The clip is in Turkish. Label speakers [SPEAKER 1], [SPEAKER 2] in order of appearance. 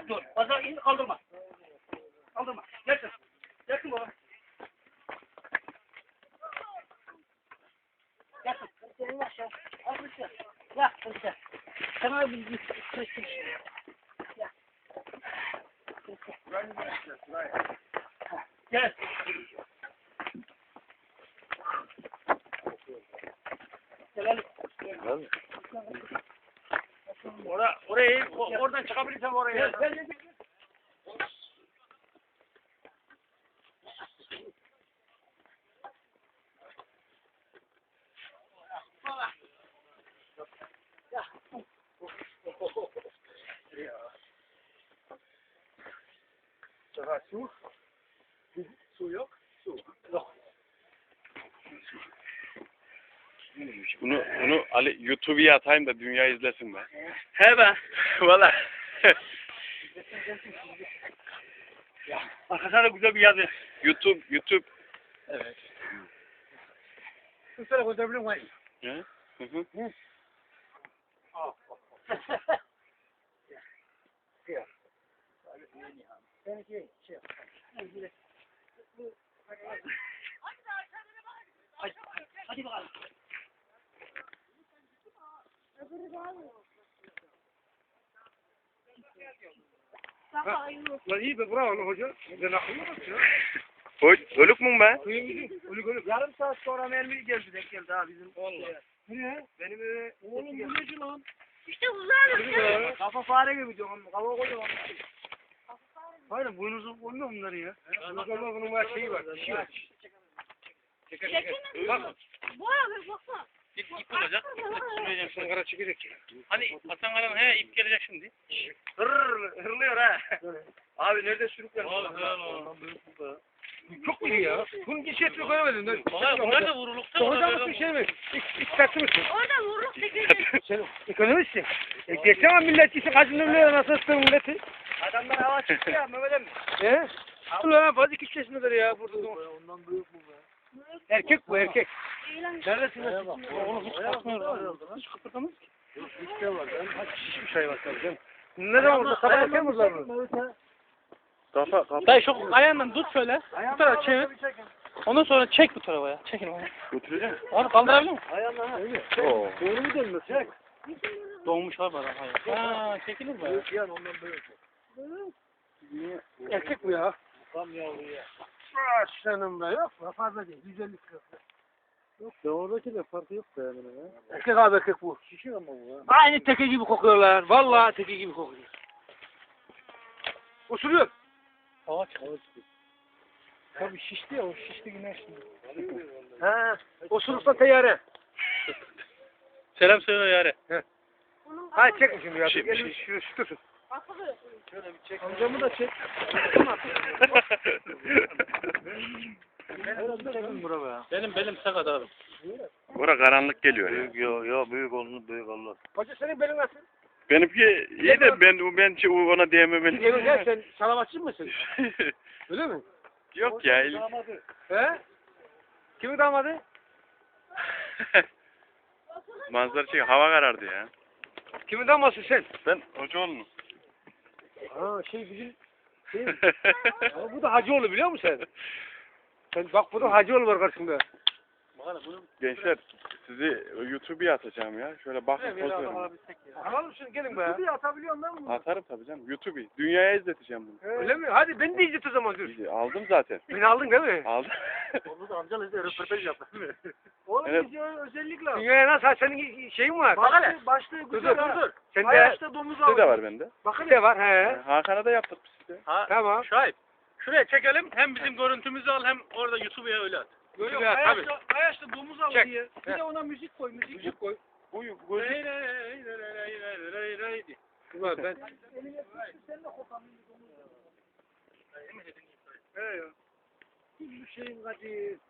[SPEAKER 1] Dur. Fazla in kaldırma. Kaldırma. Gelsin. Gelsin baba. Gelsin. Gelsin aşağı. Al bir şey. Ya kızım. Sana bir kırıştır. Ya. Gel. Gel. Oradan çıkabilirsem oraya. Gel. Su. Su yok. Su. Yok.
[SPEAKER 2] Bunu Ali YouTube'a atayım da dünya izlesin be.
[SPEAKER 1] He be.
[SPEAKER 2] Valla.
[SPEAKER 1] Ya, arkasına da güzel bir yazı.
[SPEAKER 2] YouTube.
[SPEAKER 1] Evet. Şu tarafa götürebilir miyim?
[SPEAKER 2] Hı hı.
[SPEAKER 1] Al. Hadi bakalım.
[SPEAKER 3] Lan iyi be bravo lan hoca. Ben akıllı bak ya.
[SPEAKER 2] Ölük mü be?
[SPEAKER 3] Ölük. Yarım saat sonra mermi geldi denk geldi ha bizim. Vallahi. Nereye? Benim eve. Oğlum bu neci lan?
[SPEAKER 4] İşte uzağlık.
[SPEAKER 3] Kafa fare gibi diyorum. Kafa koyuyor. Hayır boynuzu olmuyor bunları ya. Bunun var şeyi var. Dişi var. Bak.
[SPEAKER 4] Bu abi baksana.
[SPEAKER 1] İp olacak.
[SPEAKER 3] Süreceğim sen kara çekecek ya.
[SPEAKER 1] Hani Hasan Karan ip gelecek şimdi.
[SPEAKER 3] Hırlıyor ha. Abi nerede sürükler? Çok iyi ya. Bunun hiç etini koyamadın.
[SPEAKER 1] Bunlar da vurulukta.
[SPEAKER 3] Hoca mısın şey mi? İktisatçı mısın?
[SPEAKER 4] Orada vuruk tekrar.
[SPEAKER 3] Sen ekonomistsin. Geçen milletçisin. Kaçın ömrüyle nasıl ısıtır milleti?
[SPEAKER 1] Adamlar hava çıktı ya Mehmet emmi.
[SPEAKER 3] He? Ulan fazla 2 yaşındadır ya burada. Ondan büyük bu be. Erkek bu erkek. Neredesin? Onu hiç kalkmıyor. Hiç kıpırdamaz ki. İşte var. Şişmiş hayvan tabii. Ne zaman burada? Sabah erken mi var?
[SPEAKER 2] Kafa.
[SPEAKER 1] Dayı şu ayağından tut şöyle. Bu tarafa çevir. Ondan sonra çek bu tarafa ya. Çekin onu.
[SPEAKER 2] Götüreceğim.
[SPEAKER 1] Abi kaldırabilir misin?
[SPEAKER 3] Ayağına ha.
[SPEAKER 2] Oo.
[SPEAKER 3] Doğru mu dönmüş? Çek.
[SPEAKER 1] Doğmuş abi adam. Hayır. Ha çekilir mi?
[SPEAKER 3] Büyük yani ondan büyük. Erkek bu ya.
[SPEAKER 1] Tam yavru ya.
[SPEAKER 3] Senin be yok mu? Fazla değil. 150 kilo.
[SPEAKER 2] Yok ya oradaki de farkı yok da yani.
[SPEAKER 3] Erkek abi erkek bu.
[SPEAKER 2] Şişiyor ama bu ya.
[SPEAKER 3] Aynı teke gibi kokuyorlar. Vallahi teke gibi kokuyor. Usuruyor.
[SPEAKER 1] Hava çıkıyor. Tabii şişti ya o şişti güneş şimdi.
[SPEAKER 3] He. Osurursa teyare.
[SPEAKER 1] Selam söyle yare.
[SPEAKER 3] Ha çekme şimdi ya.
[SPEAKER 2] Şey-
[SPEAKER 3] Gelin şu tutun.
[SPEAKER 1] Şöyle bir çek.
[SPEAKER 3] Amcamı da çek.
[SPEAKER 1] Benim sakat abi.
[SPEAKER 2] Bura karanlık geliyor ya.
[SPEAKER 3] Yo büyük olsun büyük Allah. Hoca senin belin nasıl?
[SPEAKER 2] Benimki iyi de ben ona diyemem.
[SPEAKER 3] Evin gel sen salavatçı mısın? Öyle mi?
[SPEAKER 2] Yok ya.
[SPEAKER 3] He? Kimin damadı?
[SPEAKER 2] Manzara çek. Hava karardı ya.
[SPEAKER 3] Kimin daması sen?
[SPEAKER 2] Ben Hocaoğlu'nun.
[SPEAKER 3] Ha bizim ama bu da Hacıoğlu biliyor musun sen? Sen bak burada Hacıoğlu var karşında.
[SPEAKER 2] Gençler sizi YouTube'a atacağım ya. Şöyle bakın poz verin.
[SPEAKER 3] Alalım şunu gelin be. Tabii atabiliyorum ben bunu.
[SPEAKER 2] Atarım tabii canım. YouTube'a. Dünyaya izleteceğim bunu.
[SPEAKER 3] Öyle mi? Hadi beni de izlet o zaman dur.
[SPEAKER 2] Aldım zaten.
[SPEAKER 3] Beni aldın değil mi?
[SPEAKER 2] Aldım.
[SPEAKER 3] Onu da amcanla izle röportaj yap değil mi?
[SPEAKER 2] Evet.
[SPEAKER 3] özellikle. Dünyaya nasıl? Senin şeyin var. Başlığı
[SPEAKER 1] güzel ha.
[SPEAKER 3] Sen de
[SPEAKER 1] Hayatta domuz
[SPEAKER 2] Size de var bende.
[SPEAKER 3] bakın de var he.
[SPEAKER 2] Hakan'a da yaptık biz size.
[SPEAKER 3] Tamam.
[SPEAKER 1] Şahip. Şuraya çekelim. Hem bizim görüntümüzü al hem orada YouTube'a öyle at.
[SPEAKER 3] Yok tabii.
[SPEAKER 1] Ayaşta domuz al
[SPEAKER 3] Çek.
[SPEAKER 1] diye. Bir de ona müzik koy. Müzik
[SPEAKER 3] koy.
[SPEAKER 2] Bu
[SPEAKER 1] Rey
[SPEAKER 2] gözlük
[SPEAKER 1] rey rey rey rey rey diye.
[SPEAKER 3] Ulan ben.
[SPEAKER 1] Emin edin.
[SPEAKER 3] He ya. Bu şeyin kaçı.